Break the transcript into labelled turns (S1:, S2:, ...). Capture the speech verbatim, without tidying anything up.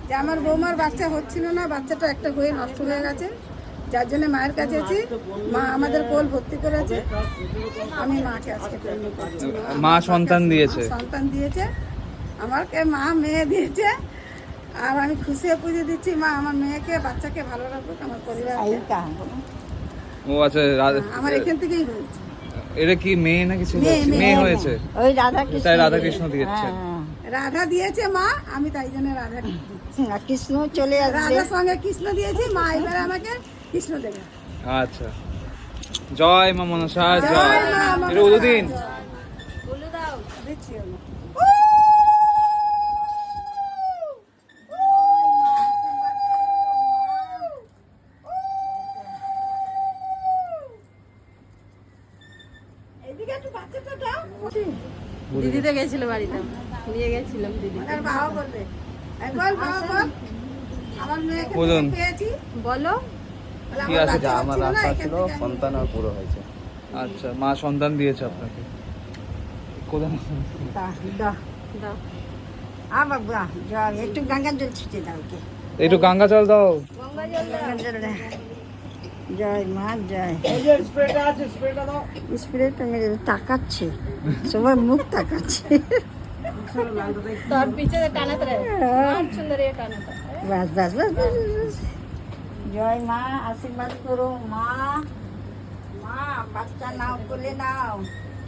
S1: যে আমার বৌমার বাচ্চা হচ্ছিল না, বাচ্চাটা একটা হয়ে নষ্ট হয়ে গেছে, যার জন্য মায়ের কাছে আছি। মা আমাদের কোল ভর্তি করেছে, আমি মাকে আজকে পূর্ণ করছি।
S2: মা সন্তান দিয়েছে,
S1: সন্তান দিয়েছে আমাকে, মা মেয়ে দিয়েছে। আর আমি খুশি হয়ে পুজো দিচ্ছি, মা আমার মেয়েকে বাচ্চাকে ভালো রাখুক, আমার পরিবার।
S2: ও আচ্ছা, রা-
S1: আমার এখান থেকেই হয়েছে।
S2: এটা কি মেয়ে নাকি ছেলে?
S1: মেয়ে, মেয়ে।
S2: মেয়ে হয়েছে,
S3: ওই রাধা কৃষ্ণ,
S2: তাই রাধা কৃষ্ণ দিয়েছে।
S1: রাধা দিয়েছে মা, আমি তাই জন্য রাধা দিচ্ছি।
S3: আর কৃষ্ণ চলে আসবে।
S1: রাধার সঙ্গে কৃষ্ণ দিয়েছি, মা এবারে আমাকে কৃষ্ণ দেবে।
S2: আচ্ছা, জয় মা মনসা জয়।
S1: জয় মা মনসা
S2: এটা উদুদিন।
S1: জয়। দিচ্ছি আমি। এদিকে একটু বাচ্চাটা দাও।
S4: দিদিতে গেছিল বাড়িতে, নিয়ে গেছিলাম দিদি।
S1: আর বাবা বলবে, এই বল বাবা বল, আমার মেয়েকে
S2: বলুন।
S1: দেখে পেয়েছি।
S4: বলো
S1: বলে
S2: কি
S1: আমার
S2: আছে?
S1: বাচ্চা
S5: আমার
S1: হচ্ছিল না,
S5: আশা
S1: এখান
S5: ছিল
S1: থেকে আমি-
S5: সন্তান আর পুরো হয়েছে।
S2: আচ্ছা, মা সন্তান দিয়েছে আপনাকে। কোথায়?
S3: দাও, দাও।
S4: দাও।
S3: আ বাবা, জল একটু গঙ্গা জল ছিটে দাও কে।
S2: একটু গঙ্গা জল দাও।
S3: গঙ্গা জল দে। জয় মা জয়। স্প্রেটা মেরে তাকাচ্ছে, সবার মুখ তাকাচ্ছে।
S4: তোর পিছে টানাতে রে, সুন্দর এ টানাতে।
S3: বাস বাস বাস বাস, বাস। জয় মা, আশীর্বাদ করো মা। মা বাচ্চা নাও, কোলে নাও।